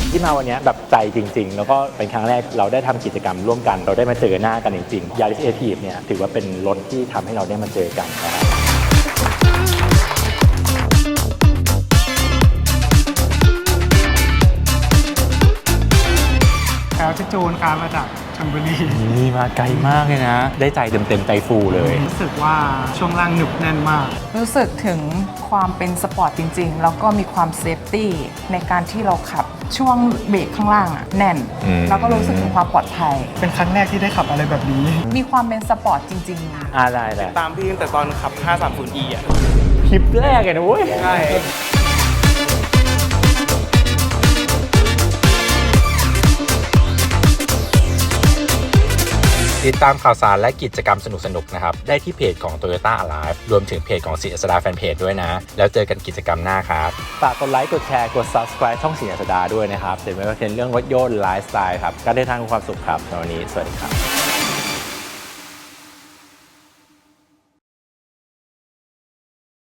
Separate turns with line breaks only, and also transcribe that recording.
ที่มาวันนี้แบบใจจริงๆแล้วก็เป็นครั้งแรกเราได้ทำกิจกรรมร่วมกันเราได้มาเจอหน้ากันจริงๆ Yaris Active เนี่ยถือว่าเป็นรถที่ทำให้เราได้มาเจอกันนะครับ
แล้วที่จูนการมาจากชลบุรี
นี่มาไกลมากเลยนะ ได้ใจเต็มใจฟูเลย
รู้สึกว่าช่วงล่างหนึบแน่นมาก
รู้สึกถึงความเป็นสปอร์ตจริงๆแล้วก็มีความเซฟตี้ในการที่เราขับช่วงเบรกข้างล่างอะแน่นแล้วก็รู้สึกถึงความปลอดภัย
เป็นครั้งแรกที่ได้ขับอะไรแบบนี้
มีความเป็นสปอร์ตจริงๆ
ได้แหละ
ตามพี่ตั้งแต่ตอนขับ 530e อ่ะ
คลิปแรกเลยนะเว้ย
ใช่
ติดตามข่าวสารและกิจกรรมสนุกๆนะครับได้ที่เพจของ Toyota Alive รวมถึงเพจของศิริอัสดาแฟนเพจด้วยนะแล้วเจอกันกิจกรรมหน้าครับฝากกดไลค์กดแชร์กด Subscribe ช่องศิริอัสดาด้วยนะครับเดี๋ยวไม่ว่าจะเป็นเรื่องรถยนต์ไลฟ์สไตล์ครับการเดินทางกับความสุขครับในวันนี้สวัสดีครับ